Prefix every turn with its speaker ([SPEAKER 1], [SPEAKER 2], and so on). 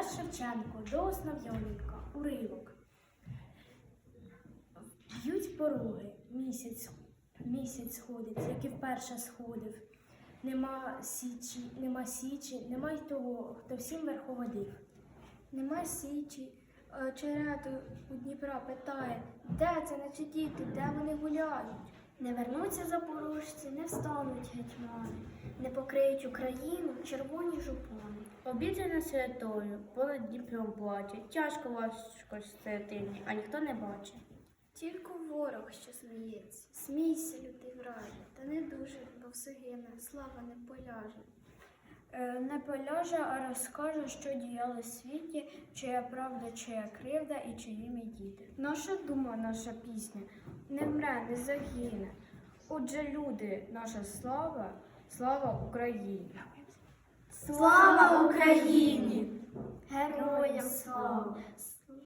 [SPEAKER 1] Тарас Шевченко, до Основ'яненка, уривок. Б'ють пороги, місяць сходить, як і вперше сходив. Нема січі, нема й того, хто всім верховодив.
[SPEAKER 2] Нема січі, черету у Дніпра питає, де це наче діти, де вони гуляють?
[SPEAKER 3] Не вернуться запорожці, не встануть гетьмани, не покриють Україну червоні жупани.
[SPEAKER 4] Обіджена святою, понад Дніпром плаче, тяжко важко стратині, а ніхто не бачить.
[SPEAKER 3] Тільки ворог, що сміється. Смійся, лютий враже, та не дуже, бо все гине, слава не поляже.
[SPEAKER 2] Не поляже, а розкаже, що діяло в світі, чия правда, чия кривда і чиї ми діти. Наша дума, наша пісня не вмре, не загине. Отже, люди, наша слава, слава Україні!
[SPEAKER 3] Слава Україні! Героям слава!